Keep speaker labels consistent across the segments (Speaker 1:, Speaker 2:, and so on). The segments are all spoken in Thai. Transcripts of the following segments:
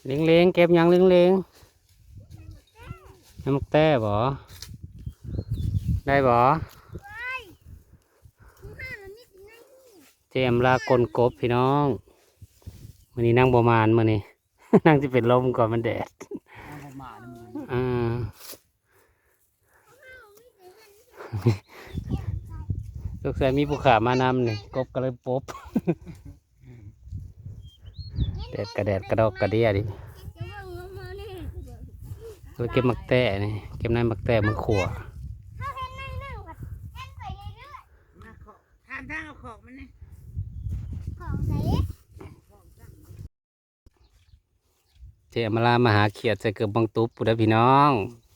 Speaker 1: เลี้ยงเลี้ยงเก็บยังเลี้ยงเลี้ยงน้ำมักแต้บ่ได้บ่เจมลากลกบพี่น้องวันนี้นั่งประมาณมื้อนี้ นั่งจะเป็นลมก่อนมันแดดลูกชายมีผู้ขามานำนี่กบก็เลยปบ แดดกระดอกกระเดียดิเราเก็บมักแต้นี่เก็บในมักแต้มือขวา
Speaker 2: ทานทางเอาของมันนะ
Speaker 1: เจมาลามาหาเขียดใส่เกือบบังตุ๊บปุ้ดพี่น้อง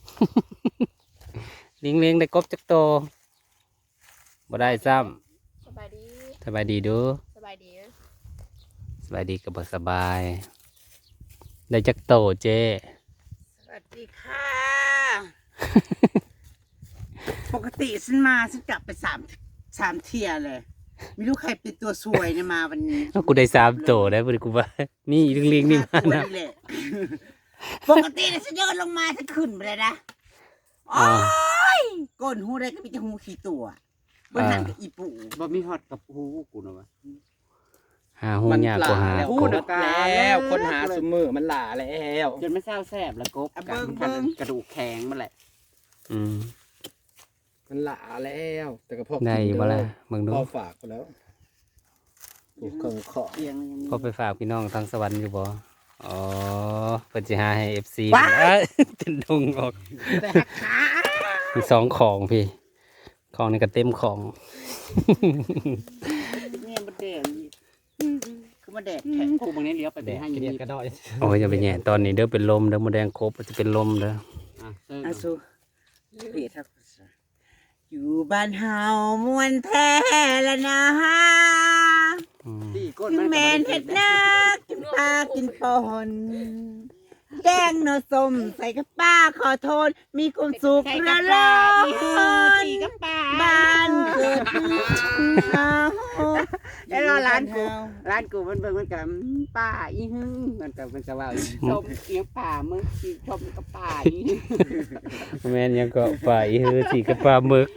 Speaker 1: เลี้ยงเลี้ยงได้กบจักโตบ่ได้ซ้
Speaker 3: สบายดี
Speaker 1: ำสบายดีดู
Speaker 3: สบายดี
Speaker 1: สบายดีกับบ่สบาย ได้จักโตเจ
Speaker 2: สวัสดีค่ะ ปกติฉันมาฉันกลับไปสามเที่ยเลยไม่รู้ใครเป็นตัวซวยเนี่ยมาวันนี้
Speaker 1: กูได้3โตได้บ่ได้กูว่านี่เลี้ยงเลี้ยงนี่มา
Speaker 2: ตัว
Speaker 1: นะ
Speaker 2: นี่แหละปกติเนี่ยฉันเดินลงมาฉันขึ้นไปเลยนะโอ้ยก้นหูได้ก็มีแต่หูขี้ตัวบนนั้นก็อีปู
Speaker 4: บ่มีฮอดกับหูกูนะวะ
Speaker 1: หาหูยากกว่าหา
Speaker 4: แล้ว
Speaker 1: ก
Speaker 4: คน
Speaker 1: บ
Speaker 4: แล้วคนหาซุมือมันหล่าแล้ว
Speaker 5: จนไม่เศร้าแสบแล้วกบกันกระดูกแข็งมันแหละ
Speaker 1: อืม
Speaker 4: มันหล่าแล้วแต่ก็พอ
Speaker 1: ได้อยู่บ่ล่ะมึงดู
Speaker 4: พอฝากไปแล้วถูกเครื่องเคาะ
Speaker 5: เตียงยังมี
Speaker 1: พอไปฝากพี่น้องทางสวรรค์อยู่บ่อ๋อเพิ่นสิหาให้ FC เป็นดงออก
Speaker 2: แต่หักขา
Speaker 1: มี2ของพี่ของนี่ก็เต็มของ
Speaker 5: เนี่ยมันแดง
Speaker 2: คือมาแดดแข็ง
Speaker 5: กูบางนี้เลี้ยวไปแดงให้
Speaker 4: เก
Speaker 5: ยัง
Speaker 4: ลีย
Speaker 5: มี
Speaker 4: ดกระดอย
Speaker 1: โอ้ยอย่าไปแย่ตอนนี้เด้อเป็นลมเด้อมดแดงครบจะเป็นลมเด้อ
Speaker 2: อาซูเปียทักอยู่บ้านเฮามวนแท้ละนะฮะ
Speaker 1: อืม
Speaker 5: ที่ก้น
Speaker 2: ถึงแมนเห็ดนากินปลากินปอนแกงเนอส้มใส่กับป้าขอโทษ มีความสุขระลอนบ้านเกิดเฮา
Speaker 5: แล้วร้านกูมันเบิ่งมันกับป่าอีหึงมันกับว่าชมเอียงป่ามึงชมกับป่าอี
Speaker 1: แม่นยังก็ฝ่ายฮือสิกับปลาหมึก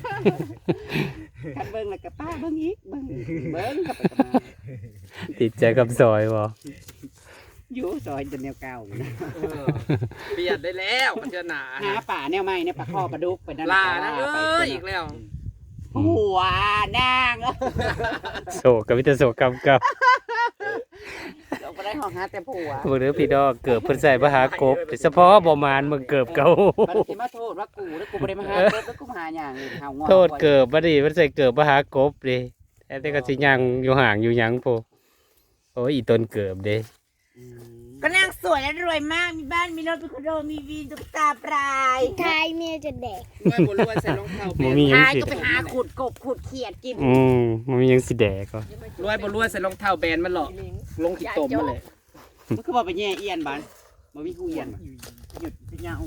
Speaker 5: คันเบิ่งแล้วกับป่าเบิ่งอีกเบิ่งกับไปมา
Speaker 1: ติดใจกับซอยบ่
Speaker 5: อยู่ซอยจนแนวเก่า
Speaker 4: เปลี่ยนได้แล้วมันจะหนา
Speaker 5: หาป่าแนวใหม่เนี่ยปลาข้อปลาดุกไปนั่น
Speaker 4: ลานะอีกแล้ว
Speaker 5: หัวนาง
Speaker 1: โศกกับวิตาโศกกรรมกับ
Speaker 5: เราไปได้ห้องหาแต่ผัว
Speaker 1: บ่เด้อพี่ดอกเกิดเพิ่นใส่มาหากบเฉพาะบ่มานมึงเกิบเก่า
Speaker 5: มันสิมาโทษว่ากูแล้วกูบ่ได้มาหาเกิดแล้วกูมาหาอย่างอื่นเฮางอ
Speaker 1: โทษเกิบบ่ดีเพิ่นใส่เกิบมาหากบดิแต่ก็สิยังอยู่ห่างอยู่หยังโพโอ้ยอีต้นเกิบเด้
Speaker 2: ก็นางสวยและรวยมาก มีบ้าน มีรถ มีคอนโด มีวีนตุ๊กตาปลาย
Speaker 3: ทายเมียจะแดก
Speaker 4: ไม่บนรวยใส่รองเท้า
Speaker 1: บ่มีหยัง
Speaker 2: ท้าย
Speaker 1: สิ
Speaker 2: ก็ไปหาขุดกบขุดเขียดกิน
Speaker 1: บ่มีหยังสิแดกก็
Speaker 4: รวยบนรวยใส่รองเท้าแบนมันหรอกลงขี้ตมมันเลย
Speaker 5: มันคือว่าไปแย่เอียนบ้านบ่มีกูเอียนหยุดไปยาว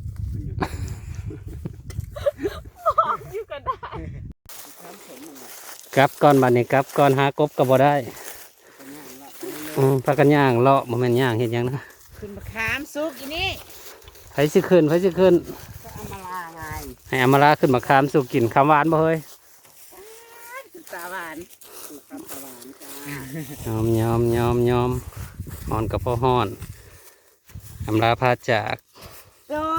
Speaker 1: กลับก่อนบัดนี้กลับก่อนหากบก็บ่ได้พากันย่างเลาะบ่แม่นย่างเฮ็ดหยังนะ
Speaker 2: ขึ้นมาขามซุกอีนี่
Speaker 1: ไผสิขึ้นไผสิขึ้น
Speaker 2: ก็เอามาลาไง
Speaker 1: ให้อำมาลาขึ้นมาคามสู่กินคำหวานบ่เฮ้ย
Speaker 2: ตุ๊กตาหวาน
Speaker 5: กูคำตะวันจ้าย
Speaker 1: อมฮ้อนกับพ่อฮ้อนอำลาพาจาก
Speaker 2: โด